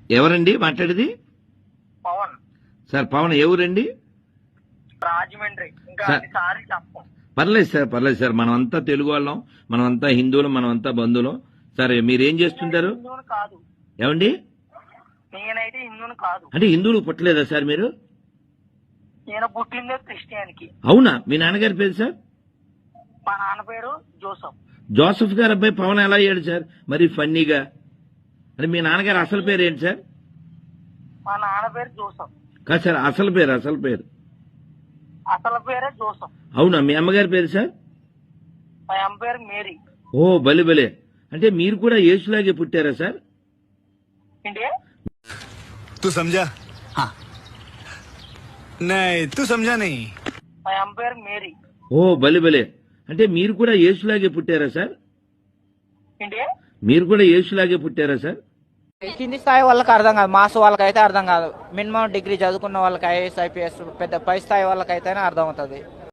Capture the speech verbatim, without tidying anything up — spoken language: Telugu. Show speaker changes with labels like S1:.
S1: ఎవరండి మాట్లాడేది?
S2: పవన్
S1: సార్ పవన్ ఏ ఊరండి?
S2: రాజమండ్రి. ఇంకా
S1: సార్.
S2: అది సారి చెప్పం.
S1: పర్లేదు సార్ పర్లేదు సార్, మనమంతా తెలుగు వాళ్ళం, మనమంతా హిందువులు, మనమంతా బంధువులం. సరే మీరేం చేస్తుంటారు?
S2: హిందువుని కాదు,
S1: ఏమండి?
S2: నేనైతే హిందువుని కాదు.
S1: అంటే హిందువులు పుట్టలేదా సార్ మీరు?
S2: నేను పుట్టిందే క్రిస్టియన్కి.
S1: అవునా? మీ నాన్నగారి పేరు సార్?
S2: మా నాన్న పేరు జోసఫ్.
S1: జోసఫ్ గారు అబ్బాయి పవన్ ఎలా అయ్యాడు సార్ మరి ఫన్నీగా? అంటే మీ నాన్నగారు అసలు పేరు ఏంటి సార్?
S2: మా నాన్న పేరు జోసఫ్.
S1: కాదు సార్, అసలు పేరు అసలు పేరు
S2: అసలు పేరే జోసఫ్.
S1: అవునా? మీ అమ్మగారి పేరు సార్?
S2: మా అమ్మ పేరు మేరీ.
S1: ఓ బలి బలే. అంటే మీరు కూడా యేసులాగే పుట్టారా సార్?
S2: ఏంటి?
S3: तू समझा? हाँ नहीं तू समझा नहीं.
S2: మా అమ్మ పేరు మేరీ.
S1: ఓ బలి బలే. అంటే మీరు కూడా యేసులాగే పుట్టారా సార్?
S2: ఏంటి?
S1: మీరు కూడా యేసులాగే పుట్టారా సార్?
S4: కింది స్థాయి వాళ్ళకి అర్థం కాదు, మాస్ వాళ్ళకైతే అర్థం కాదు. మినిమం డిగ్రీ చదువుకున్న వాళ్ళకి ఐఏఎస్ ఐపీఎస్ పెద్ద పై స్థాయి వాళ్ళకైతేనే అర్థం అవుతుంది.